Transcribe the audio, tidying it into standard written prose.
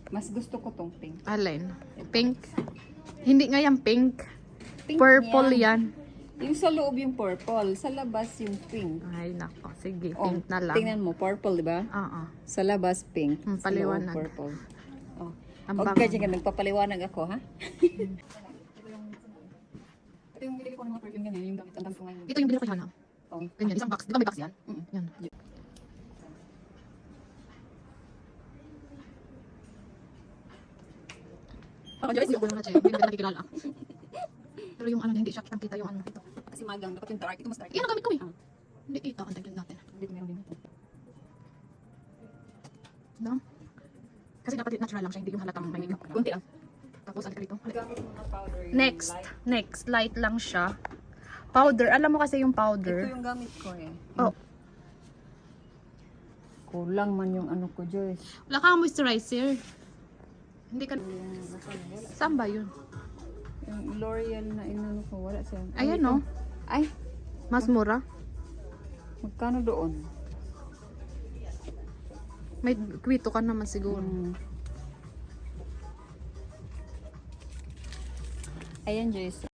Mas gusto ko tong pink. Alin? Pink? Hindi nga yan pink. Pink Purple yan. Yung sa loob yung purple, sa labas yung pink. Ay, nako. Sige, Oh, pink na lang. tingnan mo, purple, di ba? Oo. Sa labas, pink. Sa loob, Paliwanag. purple. Oh. Ang Huwag bango. ka dyan, nagpapaliwanag ako, ha? Ito yung binili ko ng mga perfume ganyan, yung gamit ang dami ko ngayon. Ito yung binili ko kay Hana. Oh. Ganyan, isang box. Di ba may box yan? Yan. Ako, Joyce, Uy, ako lang na, Che. Hindi ka nakikilala. Pero yung ano, hindi siya kitang-kita yung ano. Ito. kasi magang, dapat yung dark. Ito mas dark. Yan ang gamit ko eh. Hindi kita. Ang taglan natin. Dito meron din ito. No? Kasi dapat natural lang siya. Hindi yung halatang may makeup. Kunti lang. Tapos, alika dito. Gamit mo ng powder. yung Next. light. Next. Light lang siya. Powder. Alam mo kasi yung Ito powder. yung gamit ko eh. Oh. Kulang man yung ano ko, Joyce. Wala kang moisturizer. Hindi ka... Saan ba yun? Yung L'Oreal na inano ko, wala siya. Ayan ito. no. Ay, Mas mura. magkano doon? May kwito ka naman siguro. Ayan, Joyce.